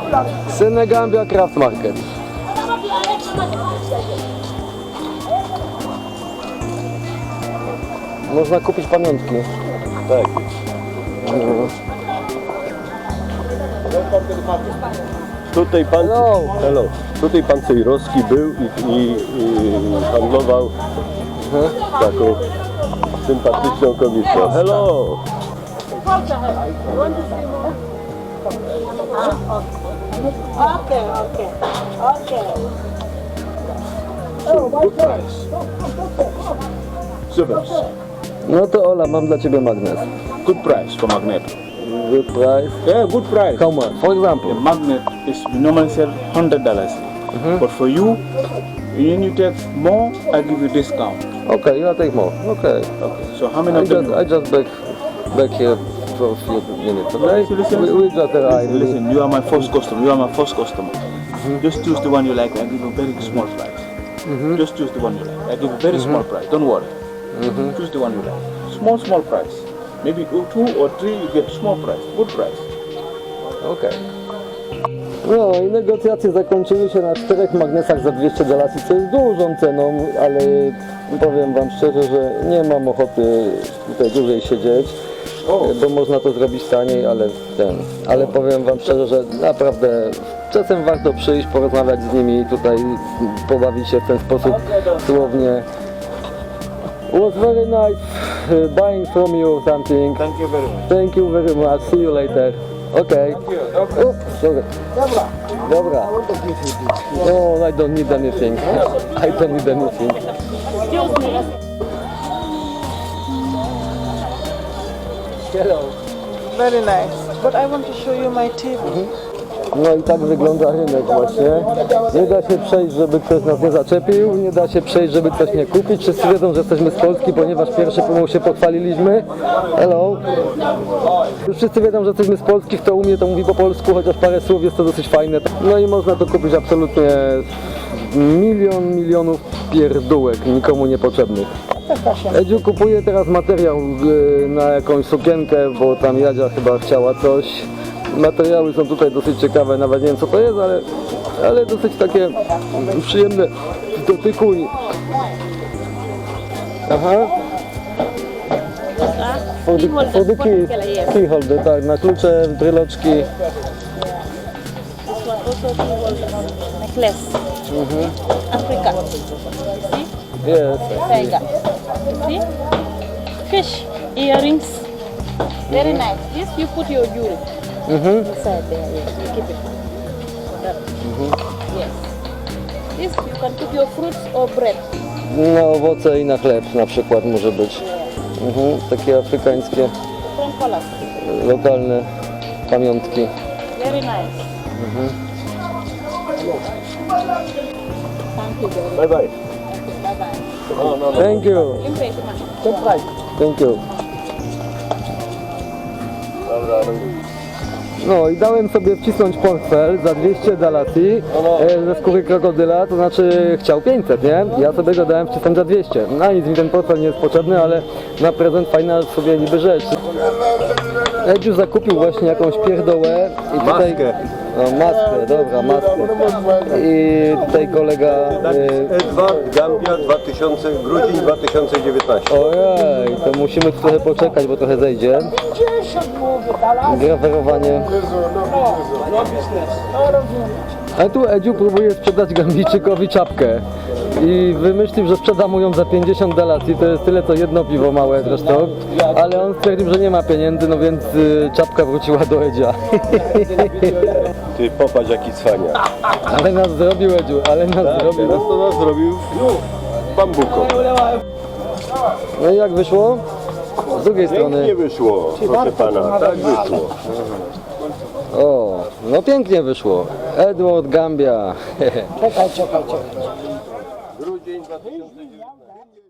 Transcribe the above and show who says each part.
Speaker 1: Senegambia Craft Market. Można kupić pamiątki.
Speaker 2: Tak. Tutaj pan, hello. Tutaj pan Cejrowski był i handlował taką sympatyczną kobietą. Hello!
Speaker 3: Okay.
Speaker 2: Good price. Super.
Speaker 1: No to Ola, mam dla ciebie magnes.
Speaker 4: Good price for magnet.
Speaker 1: Good price.
Speaker 4: Yeah, good price.
Speaker 1: How much? For example.
Speaker 4: The magnet is we normally sell $100, but for you, when you take more, I give you discount.
Speaker 1: Okay, you take more. Okay.
Speaker 4: Okay. So how many of them?
Speaker 1: I just back here for a few minutes. Okay.
Speaker 4: Listen.
Speaker 1: We just arrived.
Speaker 4: Listen, you are my first customer. You are my first customer. Just choose the one you like. I give you a very small price. Just choose the one you like. I give you a very small price. Don't worry. Choose the one you like. Small price. Maybe 2 or 3 you get small price. Good price.
Speaker 1: Okay. No i negocjacje zakończyły się na 4 magnesach za $200, co jest dużą ceną, ale powiem wam szczerze, że nie mam ochoty tutaj dłużej siedzieć, bo można to zrobić taniej, ale powiem wam szczerze, że naprawdę czasem warto przyjść, porozmawiać z nimi, tutaj pobawić się w ten sposób słownie. It was very nice buying from you something.
Speaker 4: Thank you very much.
Speaker 1: Thank you very much. See you later. Okay. Sorry. Dobra. No, I don't need anything. I don't need anything. Hello.
Speaker 3: Very nice. But I want to show you my table.
Speaker 1: No i tak wygląda rynek właśnie. Nie da się przejść, żeby ktoś nas nie zaczepił, nie da się przejść, żeby coś nie kupić. Wszyscy wiedzą, że jesteśmy z Polski, ponieważ pierwszy pomół się pochwaliliśmy. Hello. Już wszyscy wiedzą, że jesteśmy z Polski, kto umie, to mówi po polsku, chociaż parę słów, jest to dosyć fajne. No i można to kupić absolutnie milionów pierdółek, nikomu niepotrzebnych. Edziu kupuje teraz materiał na jakąś sukienkę, bo tam Jadzia chyba chciała coś. Materiały są tutaj dosyć ciekawe, nawet nie wiem co to jest, ale dosyć takie przyjemne w dotyku. Aha. For the key holder, tak, na klucze, bryloczki.
Speaker 3: This one also key holder necklace. Africa. You see?
Speaker 1: Jest.
Speaker 3: Tiger. You see? Fish earrings. Very nice. This you put your jewelry inside there. Yes, you keep it. Yes. This you can put your fruits or bread.
Speaker 1: Na owoce i na chleb na przykład może być. Takie afrykańskie,
Speaker 3: Different colors.
Speaker 1: lokalne pamiątki.
Speaker 3: Very nice. Thank you very much.
Speaker 2: Bye bye.
Speaker 3: Bye bye.
Speaker 2: No.
Speaker 1: Thank you.
Speaker 3: Impression.
Speaker 1: Thank you.
Speaker 2: Dobra.
Speaker 1: No i dałem sobie wcisnąć portfel za $200 ze skóry krokodyla, to znaczy chciał 500, nie? Ja sobie go dałem wcisnąć za 200. Na nic mi ten portfel nie jest potrzebny, ale na prezent fajna sobie niby rzecz. Edziu zakupił właśnie jakąś pierdołę i tutaj...
Speaker 2: Maskę.
Speaker 1: No maskę, dobra, maskę. I tutaj kolega...
Speaker 2: Edward Gambia 2000, grudzień 2019.
Speaker 1: Ojej, to musimy tu trochę poczekać, bo trochę zejdzie. Grawerowanie. A tu Edziu próbuje sprzedać Gambijczykowi czapkę. I wymyślił, że sprzeda mu ją za $50. To jest tyle co jedno piwo małe zresztą. Ale on stwierdził, że nie ma pieniędzy, no więc czapka wróciła do Edzia.
Speaker 2: Ty popatrz jaki cwania.
Speaker 1: Ale nas zrobił Edziu, ale nas zrobił.
Speaker 2: Teraz to nas zrobił bambuką.
Speaker 1: No i jak wyszło? Z drugiej strony.
Speaker 2: Pięknie wyszło, proszę pana, tak wyszło.
Speaker 1: O, no pięknie wyszło. Edward Gambia.
Speaker 2: Grudzień 2019.